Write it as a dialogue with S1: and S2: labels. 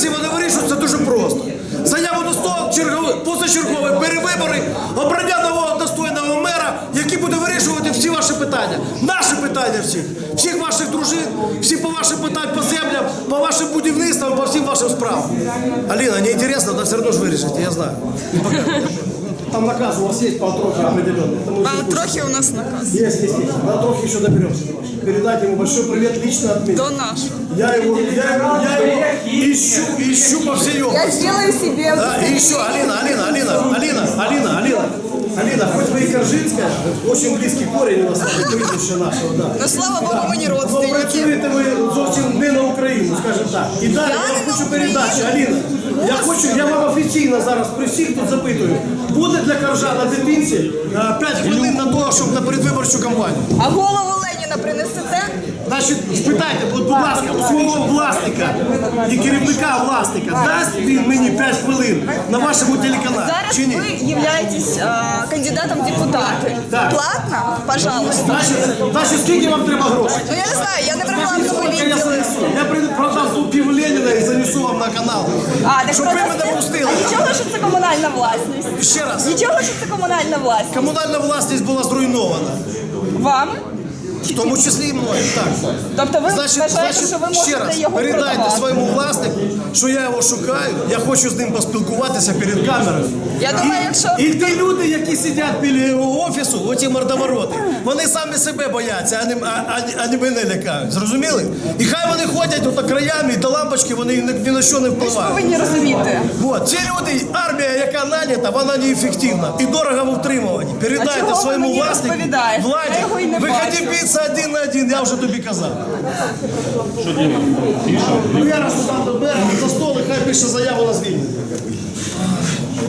S1: версії вони вирішують, це дуже просто. Заяву на стол, позачергові перевибори, обрання нового достойного мера, який буде вирішувати всі ваші питання. Наші питання всіх ваших дружин, всі по вашим питанням по землям, по вашим будівництвам, по всім вашим справам. Аліна, не інтересно, але все одно ж вирішите, я знаю. Там наказ у вас есть по Антрохе определенный.
S2: По Антрохе у нас наказ.
S1: Есть. На Антрохе еще доберемся. Передайте ему большой привет лично от меня.
S2: До нашего.
S1: Я его ищу по всей области.
S2: Я сделаю себе.
S1: Да, и еще, Алина, хоть вы и Коржинская, очень близкий корень у нас, прізвище нашого, да.
S2: Но слава Богу, ми не
S1: Но
S2: родственники.
S1: працюєте ви зовсім не на Україну, скажімо так. І далі я вам хочу передачі, Аліна. Я вам офіційно зараз при всіх тут запитую. Буде для Коржана дитинці 5 хвилин на того, щоб на передвиборчу кампанію?
S2: А голову Леніна принесете?
S1: Значить, спитайте, будь ласка, у свого власника і керівника власника, дасть він мені 5 хвилин на вашому телеканалі,
S2: Зараз
S1: чи ні?
S2: ви являєтесь кандидатом в депутати.
S1: Так.
S2: Платно? Пожалуйста.
S1: Значить, скільки вам треба грошей?
S2: Ну я не знаю, я не брала в
S1: Скільки я
S2: відділі.
S1: занесу? Я продам тут пів Леніна і занесу вам на канал.
S2: Так
S1: Щоб ви мене пустили.
S2: А нічого, що це комунальна власність?
S1: Ще раз.
S2: Нічого, що це комунальна власність?
S1: Комунальна власність була зруйнована.
S2: Вами?
S1: В тому числі і мною, так.
S2: Тобто ви вважаєте, що ви
S1: ще раз,
S2: можете його
S1: передайте
S2: продавати?
S1: своєму власнику, що я його шукаю, я хочу з ним поспілкуватися перед камерою.
S2: Я думаю, якщо...
S1: І ті люди, які сидять біля його офісу, оті мордовороти, вони самі себе бояться, а не мене лякають. Зрозуміли? І хай вони ходять ото краями, і до лампочки вони ні на що не
S2: Ви
S1: впливають.
S2: повинні розуміти.
S1: От, ці люди, армія, яка нанята, вона неефективна і дорого в утримуванні.
S2: А
S1: Передайте
S2: чого ви
S1: своєму
S2: мені
S1: власнику,
S2: розповідаєте?
S1: владі,
S2: Я його і не
S1: виходи
S2: бачу.
S1: битися один на один, я вже тобі казав. Що делать? Ну я раз там до мера, за стол, і хай пише заяву на звільнення.